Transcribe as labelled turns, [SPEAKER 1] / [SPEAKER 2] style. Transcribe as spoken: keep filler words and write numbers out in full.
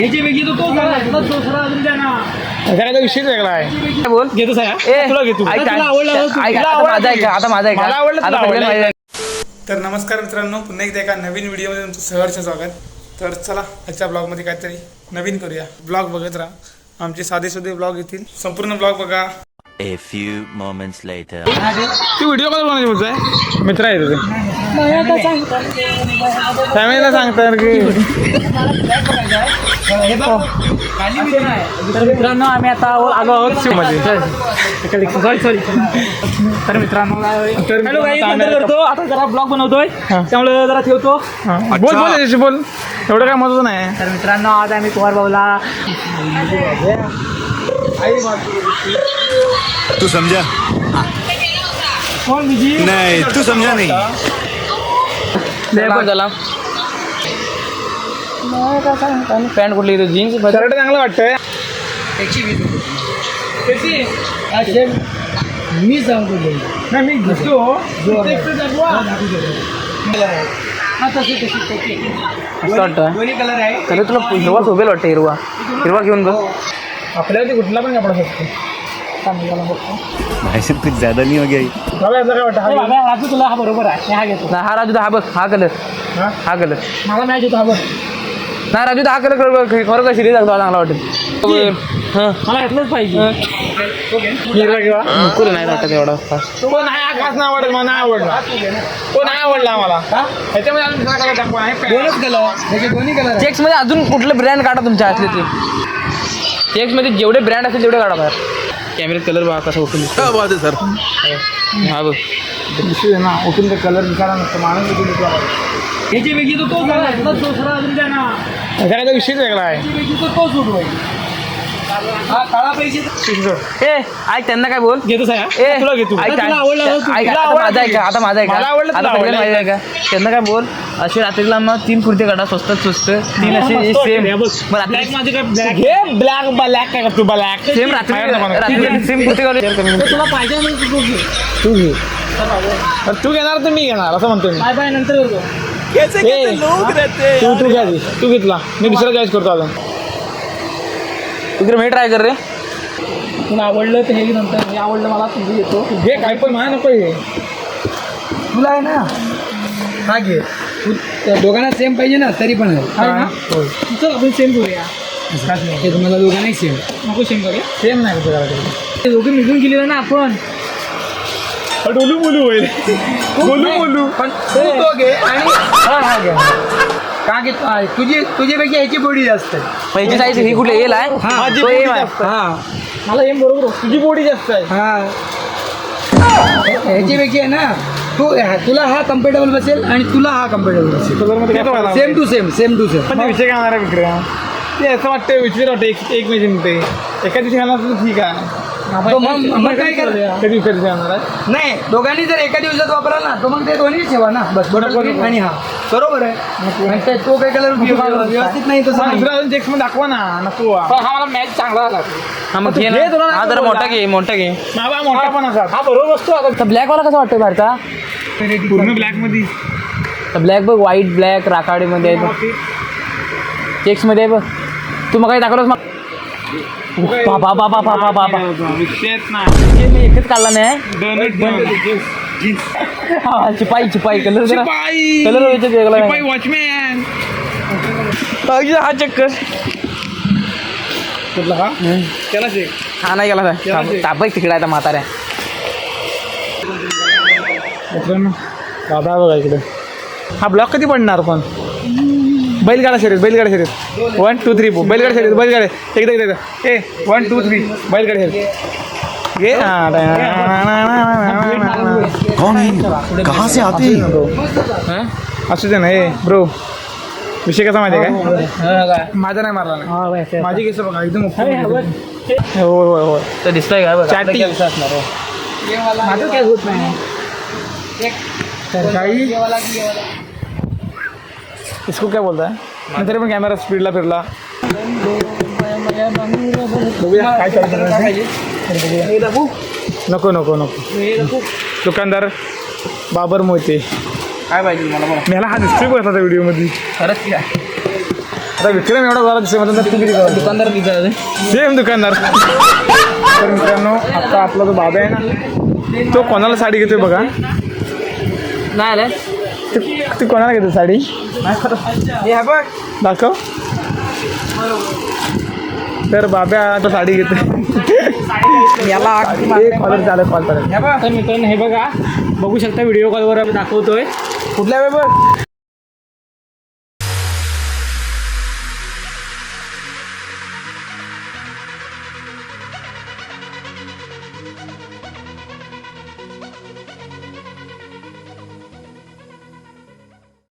[SPEAKER 1] घराचा विषय वेगळा आहे. बोल घेतो आता माझा. तर नमस्कार मित्रांनो, पुन्हा एकदा एका नवीन व्हिडिओमध्ये तुमचं सहर्ष स्वागत. तर चला आजच्या ब्लॉगमध्ये काहीतरी नवीन करूया. ब्लॉग बघत राहा, आमचे साधे साधे ब्लॉग येतील. संपूर्ण ब्लॉग बघा.
[SPEAKER 2] A few moments later.
[SPEAKER 1] तू व्हिडिओ कॉल बनायची बोलतोय, मित्र आहे तुझे फॅमिलीला सांगतात की
[SPEAKER 3] तर मित्रांनो आम्ही आता आलो आहोत शिवमध्ये. सॉरी सॉरी तर मित्रांनो हॅलो गाईज, नंतर करतो. आता जरा ब्लॉग बनवतोय त्यामुळे जरा ठेवतो.
[SPEAKER 1] बोल बोल याची बोल, एवढं काय मत नाही.
[SPEAKER 3] तर मित्रांनो आज आम्ही कुमार भाऊला
[SPEAKER 2] तू समझा
[SPEAKER 3] कोण बिजी
[SPEAKER 2] नहीं, तू समझा नहीं.
[SPEAKER 3] झाला पॅन्ट कुठली जीन्स
[SPEAKER 1] शर्ट चांगलं वाटतंय.
[SPEAKER 3] मी सांगतो
[SPEAKER 1] नाही मी घेतो.
[SPEAKER 3] दोन्ही कलर आहे. तरी तुला हिरवा शोभेल वाटतं. हिरवा हिरवा घेऊन बघ.
[SPEAKER 1] आपल्याला कुठला पण कपडा शकतो.
[SPEAKER 2] भाई साहब कुछ ज्यादा नहीं हो गया ये?
[SPEAKER 1] मला याचा काय वाटतं,
[SPEAKER 3] राजू तुला हा बरोबर आहे. हा घेतो. हा राजू हा बघ, हा कलर हा कलर मला मॅच होतो. हा बघ नाही राजू, हा कलर खरं का सिरीज चांगला वाटेल. मला घेतलंच पाहिजे.
[SPEAKER 1] हिरवा किंवा
[SPEAKER 3] नको नाही वाटत एवढा
[SPEAKER 1] तो नाही, हा खास नाही आवडत मला. नाही आवडला तो, नाही आवडला मला. ह्याच्यामध्ये अजून दुसरा कलर टाकू आहे.
[SPEAKER 3] दोनच कलर त्याचे दोन्ही कलर. चेक्स मध्ये अजून कुठले ब्रँड काढा तुमच्या असले ते. चेक्स मध्ये जेवढे ब्रँड असतील तेवढे काढा बाहेर. कॅमेऱ्यात कलर बघा कसा उठून
[SPEAKER 2] क्या बात है सर.
[SPEAKER 1] हा बघ दिसतोय ना, उठून ते कलर दिसायला नसतं. माणूस उठून दिसला
[SPEAKER 3] याची वेगळी तो तो दुसरा अजून द्या ना.
[SPEAKER 1] घराचा विषयच वेगळा आहे.
[SPEAKER 3] तो तो सूट होईल. हा काळा पैसे ए ऐक त्यांना काय बोल
[SPEAKER 1] घेतो साया.
[SPEAKER 3] ए
[SPEAKER 1] तुला घेतो.
[SPEAKER 3] ऐक ऐक आता माझा आहे का आता माझा आहे का
[SPEAKER 1] मला आवडलं,
[SPEAKER 3] आता
[SPEAKER 1] तुला
[SPEAKER 3] सगळ्यांना माहिती
[SPEAKER 1] आवडलं.
[SPEAKER 3] आहे का. त्यांना काय बोल असे रात्रीला मग तीन कुर्ते काढा स्वस्तात स्वस्त. तीन असे सेम मग रात्री
[SPEAKER 1] घे ब्लॅक ब्लॅक काय करतो ब्लॅक
[SPEAKER 3] सेम रात्री रात्री सेम कुर्ते काढले. तुला पाहिजे
[SPEAKER 1] तू घे. तू घेणार तर मी घेणार असं म्हणतो मी.
[SPEAKER 3] बाय बाय नंतर करतो.
[SPEAKER 1] ए, तू तू घ्या तू घेतला, मी दुसरा चॉईस करतो अजून.
[SPEAKER 3] इकडे मी ट्राय कर रे. तुला आवडलं तर हे नंतर हे आवडलं मला तुझं येतो.
[SPEAKER 1] घे काय पण मला नको हे.
[SPEAKER 3] तुला आहे ना हा घे. दोघांना सेम पाहिजे ना तरी पण आहे. चल आपण सेम करूया. हे तुम्हाला दोघांनाही सेम नको. सेम करूया.
[SPEAKER 1] सेम नाही करतो.
[SPEAKER 3] दोघे मिळून गेलेलं ना आपण.
[SPEAKER 1] बोलू बोलू होईल. बोलू बोलू
[SPEAKER 3] पण तू तो घे आणि हा हा घे. का की तुझी तुझ्यापैकी ह्याची बॉडी जास्त आहे. पहिली साईज ही कुठे येईल आहे.
[SPEAKER 1] माझी
[SPEAKER 3] तो
[SPEAKER 1] body
[SPEAKER 3] एम आहे.
[SPEAKER 1] जास्त आहे.
[SPEAKER 3] हा मला एम बरोबर.
[SPEAKER 1] तुझी बॉडी जास्त आहे.
[SPEAKER 3] हा ह्याच्यापैकी आहे ना. तू तुला हा कम्फर्टेबल बसेल आणि तुला हा कम्फर्टेबल बसेल.
[SPEAKER 1] कलरमध्ये काय मला
[SPEAKER 3] same to same same to same.
[SPEAKER 1] पण ते विषय घालणार आहे विक्रम. ते असं वाटतं विचार वाटतं एक एक महिने म्हणते एका दिवशी घालणार तर ठीक आहे.
[SPEAKER 3] तो मग मग काय कर.
[SPEAKER 1] कधी दिवशी घालणार आहे.
[SPEAKER 3] नाही दोघांनी जर एका दिवसात वापराल ना तो मग ते दोन्ही ठेवा ना. बस बरोबर आणि हा बरोबर आहे. आणि ते तो काही कलर व्यवस्थित नाही तसं नाही.
[SPEAKER 1] दुसरा अजून चेक्स मध्ये दाखवा ना. नको
[SPEAKER 3] हा मला मॅच चांगला आला. हा मग घे
[SPEAKER 1] घे तुला.
[SPEAKER 3] हा जरा मोठा घे मोठा घे.
[SPEAKER 1] बाबा मोठा पण असा.
[SPEAKER 3] हा बरोबर वस्तू. आता ब्लॅक वाला कसा वाटतोय भारता.
[SPEAKER 1] पूर्ण ब्लॅक मध्ये.
[SPEAKER 3] ब्लॅक बघ, व्हाईट ब्लॅक राखाडीमध्ये आहे बघ. चेक्समध्ये आहे बघ. तू मग काही दाखवलंस मग बाबा बाबा बाबा बाबा
[SPEAKER 1] विषयच नाही.
[SPEAKER 3] मी एकच काढला नाही.
[SPEAKER 1] दोन
[SPEAKER 3] चिपाई चिपाई कलर जरा
[SPEAKER 1] शिपाई
[SPEAKER 3] कलर वेगळा
[SPEAKER 1] शिपाई वॉचमॅन.
[SPEAKER 3] हा चक्कर
[SPEAKER 1] कुठला हा त्याला चेक.
[SPEAKER 3] हा नाही गेला तापय तिकडे आहे म्हाताऱ्या.
[SPEAKER 1] दादा बघा इकडे. हा ब्लॉक कधी पडणार पण. बैलगाडा शर्यत बैलगाडा शर्यत वन टू थ्री फोर बैलगाडा शर्यत बैलगाडा एकदा एकदा ए वन टू थ्री बैलगाडा शर्यत घे.
[SPEAKER 2] कौन है, कहाँ से आते हैं?
[SPEAKER 1] असू दे ना. ए ब्रो विषय कसा माहिती आहे काय. माझा नाही मारला नाही. माझी केस बघा एकदम होय होय होय.
[SPEAKER 3] तर दिसतोय का
[SPEAKER 1] चॅटिंग
[SPEAKER 3] माझं काय होत नाही.
[SPEAKER 1] काही इसको क्या बोलता है. तरी पण कॅमेरा स्पीडला फिरला. काय नको नको नको. दुकानदार बाबर मोहिते
[SPEAKER 3] काय पाहिजे मला.
[SPEAKER 1] मला हा दिसतोय बघा त्या व्हिडिओमध्ये.
[SPEAKER 3] खरंच काय
[SPEAKER 1] आता विक्रम एवढा झाला दिसतोय म्हणतात तू किती झाला?
[SPEAKER 3] दुकानदार तिथं
[SPEAKER 1] सेम दुकानदार. तर मित्रांनो आता आपला जो बाबा आहे ना तो कोणाला साडी घेतोय बघा.
[SPEAKER 3] नाही आलं
[SPEAKER 1] ते- ती कोणाला घेतो साडी
[SPEAKER 3] हे बघ
[SPEAKER 1] दाखव. तर बाब्या आता साडी घेतोय.
[SPEAKER 3] याला
[SPEAKER 1] कॉलर चालत कॉल चालत.
[SPEAKER 3] हे बघ तर मित्रांनो हे बघा बघू शकता व्हिडिओ कॉलवर दाखवतोय कुठल्या वेळ बघ